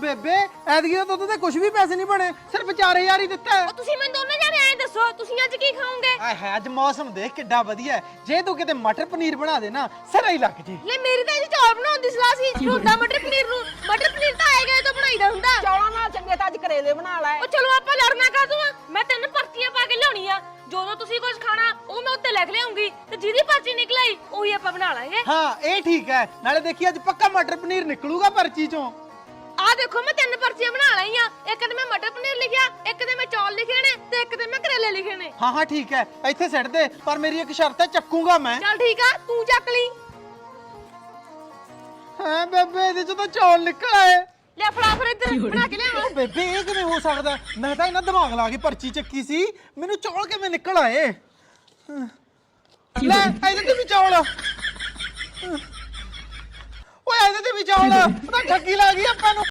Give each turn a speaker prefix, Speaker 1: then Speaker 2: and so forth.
Speaker 1: ਬੇਬੇ ਐਤਕੀ ਤਾਂ ਦੁੱਧ ਤੇ ਕੁਝ ਵੀ ਪੈਸੇ ਨਹੀਂ ਬਣੇ, ਸਿਰਫ 4000 ਹੀ ਦਿੱਤਾ ਹੈ।
Speaker 2: ਤੁਸੀਂ ਮੈਨੂੰ ਦੋਨੇ ਜਾਣੇ ਐਂ ਦੱਸੋ ਤੁਸੀਂ ਅੱਜ ਕੀ ਖਾਓਗੇ?
Speaker 1: ਆਏ ਹੈ ਅੱਜ ਮੌਸਮ ਦੇਖ ਕਿੱਡਾ ਵਧੀਆ ਹੈ, ਜੇ ਤੂੰ ਕਿਤੇ ਮਟਰ ਪਨੀਰ ਬਣਾ ਦੇ ਨਾ ਸਿਰਾ ਹੀ ਲੱਗ ਜੇ।
Speaker 2: ਲੈ ਮੇਰੀ ਤਾਂ ਇਹ ਚੌਲ ਬਣਾਉਣ ਦੀ ਸਲਾਹ ਸੀ, ਤੁਹਾਡਾ ਮਟਰ ਪਨੀਰ ਨੂੰ ਮਟਰ ਪਨੀਰ ਤਾਂ ਆਏਗਾ ਤਾਂ ਬਣਾਈਦਾ ਹੁੰਦਾ।
Speaker 3: ਚੌਲਾਂ ਨਾਲ ਚੰਗੇ ਤਾਂ ਅੱਜ ਕਰੇਲੇ ਬਣਾ ਲੈ।
Speaker 2: ਉਹ ਚਲੋ ਆਪਾਂ ਲੜਨਾ ਕਾਹਤੋਂ ਆ, ਮੈਂ 3 ਪਰਚੀਆਂ ਪਾ ਕੇ ਲਿਆਉਣੀ ਆ, ਜਦੋਂ ਤੁਸੀਂ ਕੁਝ ਖਾਣਾ ਉਹ ਮੈਂ ਉੱਤੇ ਲਿਖ ਲਿਆਉਂਗੀ ਤੇ ਜਿਹਦੀ ਪਰਚੀ ਨਿਕਲ ਆਈ ਉਹੀ ਆਪਾਂ ਬਣਾ ਲਾਂਗੇ।
Speaker 1: ਹਾਂ ਇਹ ਠੀਕ ਹੈ, ਨਾਲੇ ਦੇਖੀ ਅੱਜ ਪੱਕਾ ਮਟਰ ਪਨੀਰ ਨਿਕਲੂਗਾ ਪਰਚੀ ਚੋਂ।
Speaker 2: ਆਹ ਦੇਖੋ ਮੈਂ 3 ਪਰਚੀਆਂ ਬਣਾ ਲਈਆਂ, ਇੱਕ ਤੇ ਮੈਂ ਮਟਰ ਪਨੀਰ ਲਿਖਿਆ, ਇੱਕ ਤੇ ਮੈਂ ਚੌਲ ਲਿਖੇ ਨੇ ਤੇ ਇੱਕ ਤੇ ਮੈਂ ਕਰੇਲੇ ਲਿਖੇ ਨੇ।
Speaker 1: ਹਾਂ ਹਾਂ ਠੀਕ ਹੈ, ਇੱਥੇ ਸਿੱਟ ਦੇ, ਪਰ ਮੇਰੀ ਇੱਕ ਸ਼ਰਤ ਹੈ, ਚੱਕੂਗਾ ਮੈਂ।
Speaker 2: ਚੱਲ ਠੀਕ ਆ ਤੂੰ ਚੱਕ ਲਈ।
Speaker 1: ਹਾਂ ਬੇਬੇ ਇਹਦੇ ਚੋਂ ਤਾਂ ਚੌਲ ਨਿਕਲ ਆਏ।
Speaker 2: ਲੈ ਫੜਾ ਫਿਰ ਇੱਧਰ ਬਣਾ ਕੇ ਲਿਆਵਾਂ।
Speaker 1: ਉਹ ਬੇਬੇ ਇਹ ਕਿਵੇਂ ਹੋ ਸਕਦਾ? ਮੈਂ ਤਾਂ ਇਹਨਾਂ ਦਿਮਾਗ ਲਾ ਕੇ ਪਰਚੀ ਚੱਕੀ ਸੀ, ਮੈਨੂੰ ਚੌਲ ਕਿਵੇਂ ਨਿਕਲ ਆਏ? ਲੈ ਇਹਦੇ ਤੇ ਵੀ ਚੌਲ, ਓਏ ਇਹਦੇ ਤੇ ਵੀ ਚੌਲ, ਉਹ ਤਾਂ ਠੱਗੀ ਲਾ ਗਈ ਆਪਾਂ ਨੂੰ।